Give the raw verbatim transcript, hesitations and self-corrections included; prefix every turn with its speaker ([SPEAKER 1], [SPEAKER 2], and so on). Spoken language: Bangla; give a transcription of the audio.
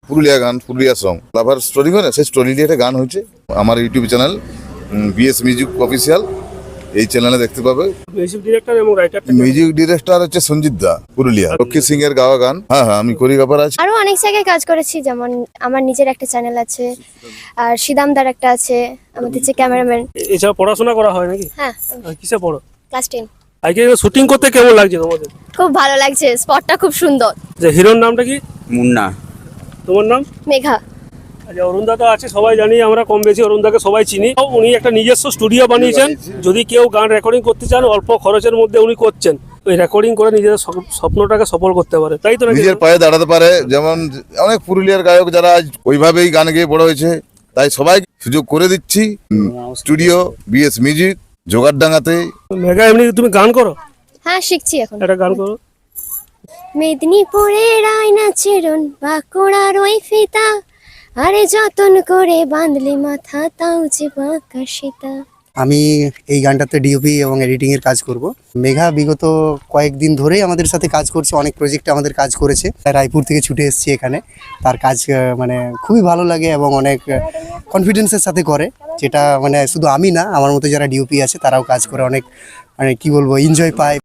[SPEAKER 1] পুরুলিয়া গান, পুরুলিয়া সং লাভার স্টোরি হয় না, সেই স্টোরি দিয়ে একটা গান হয়েছে। আমার YouTube channel BS music official, এই চ্যানেলে দেখতে পাবে।
[SPEAKER 2] মিউজিক ডিরেক্টর এবং রাইটার
[SPEAKER 1] মিউজিক ডিরেক্টর হচ্ছে সঞ্জিত দা, পুরুলিয়া। লক্ষ্মী সিং এর গাওয়া গান। হ্যাঁ হ্যাঁ, আমি কোরিওগ্রাফার আছি।
[SPEAKER 3] আরো অনেক জায়গায় কাজ করেছি, যেমন আমার নিজের একটা চ্যানেল আছে, আর সিদামদার একটা আছে, আমাদের যে ক্যামেরাম্যান।
[SPEAKER 2] এছাড়া পড়াশোনা করা হয় নাকি?
[SPEAKER 3] হ্যাঁ,
[SPEAKER 2] আর কিসে পড়ো?
[SPEAKER 3] Class ten.
[SPEAKER 2] আজকে শুটিং করতে কেমন লাগছে তোমাদের?
[SPEAKER 3] খুব ভালো লাগছে, স্পটটা খুব সুন্দর।
[SPEAKER 2] যে হিরোর নামটা কি?
[SPEAKER 4] মুন্না।
[SPEAKER 2] তোমার নাম?
[SPEAKER 3] মেঘা।
[SPEAKER 2] আচ্ছা, অরুণদা তো আছে, সবাই জানি, আমরা কম বেশি অরুণদাকে সবাই চিনি। উনি একটা নিজস্ব স্টুডিও বানিয়েছেন। যদি কেউ গান রেকর্ডিং করতে চান, অল্প খরচের মধ্যে উনি করছেন। ওই রেকর্ডিং করে নিজের স্বপ- স্বপ্নটাকে সফল করতে পারে, তাই তো নাকি?
[SPEAKER 1] নিজের পায়ে দাঁড়াতে পারে। যেমন অনেক পুরুলিয়ার গায়ক যারা আজ ওইভাবেই গান গেয়ে বড় হয়েছে, তাই সবাই সুযোগ করে দিচ্ছি। Studio BS music জোগাড়ডাঙ্গাতে।
[SPEAKER 2] মেঘা, এমনি তুমি গান করো?
[SPEAKER 3] হ্যাঁ, শিখছি এখন।
[SPEAKER 2] একটা গান করো।
[SPEAKER 3] মেদিনীপুরের আয়না চেরন বাঁকুড়ার ওই ফিতা, আরে যতন করে বাঁধলি মাথা, তাও যে বাঁকা সীতা।
[SPEAKER 5] আমি এই গানটাতে ডিওপি এবং এডিটিং এর কাজ করব। মেঘা বিগত কয়েকদিন ধরেই আমাদের সাথে কাজ করছে, অনেক প্রজেক্টে আমাদের কাজ করেছে। রায়পুর থেকে ছুটে এসেছি এখানে। তার কাজ আহ, মানে খুবই ভালো লাগে এবং অনেক কনফিডেন্সের সাথে করে, যেটা মানে শুধু আমি না, আমার মতো যারা ডিওপি আছে তারাও কাজ করে অনেক, মানে কি বলবো, এনজয় পায়।